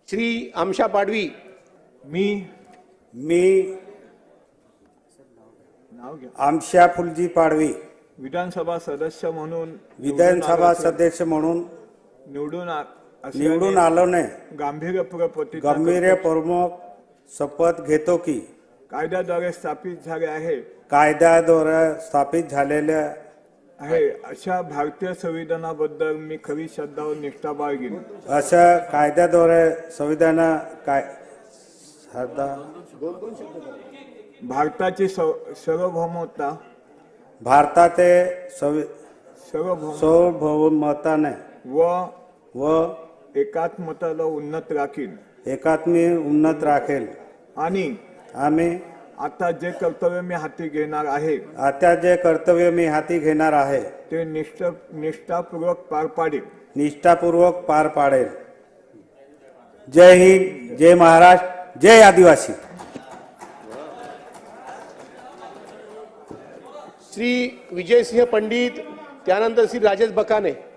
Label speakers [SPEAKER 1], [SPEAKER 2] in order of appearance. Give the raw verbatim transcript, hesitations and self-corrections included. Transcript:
[SPEAKER 1] श्री आमशा पाडवी,
[SPEAKER 2] मी
[SPEAKER 3] मी
[SPEAKER 2] नाव घ्या
[SPEAKER 3] आमशा फुलजी पाडवी
[SPEAKER 2] विधानसभा सदस्य म्हणून
[SPEAKER 3] विधानसभा सदस्य म्हणून
[SPEAKER 2] निवडून आ- असल्याने
[SPEAKER 3] निवडून आलो ने
[SPEAKER 2] गांभीर्यपूर्वक प्रतिज्ञा
[SPEAKER 3] गंभीर
[SPEAKER 2] करतो.
[SPEAKER 3] प्रमुख शपथ घेतो की
[SPEAKER 2] कायद्याद्वारे स्थापित झाले आहे
[SPEAKER 3] कायद्याद्वारे स्थापित झालेल्या
[SPEAKER 2] आहे अशा भारतीय संविधानाबद्दल मी खरी श्रद्धा व निष्ठा बाळगीन.
[SPEAKER 3] अशा कायद्याद्वारे संविधान काय श्रद्धा
[SPEAKER 2] भारताची सव- सार्वभौमता
[SPEAKER 3] भारताचे संवि-
[SPEAKER 2] सार्वभौम
[SPEAKER 3] सार्वभौमताने
[SPEAKER 2] व
[SPEAKER 3] व
[SPEAKER 2] एकात्मताला उन्नत राखीन
[SPEAKER 3] एकात्मी उन्नत राखेल.
[SPEAKER 2] आणि
[SPEAKER 3] आम्ही
[SPEAKER 2] आता जे कर्तव्य मी हाती घेणार आहे
[SPEAKER 3] आता जे कर्तव्य मी हाती घेणार आहे
[SPEAKER 2] ते निष्ठ निष्ठापूर्वक पार पाडेल.
[SPEAKER 3] निष्ठापूर्वक पार पाडेल. जय हिंद, जय महाराष्ट्र, जय आदिवासी.
[SPEAKER 1] श्री विजयसिंह पंडित, त्यानंतर श्री राजेश बकाने.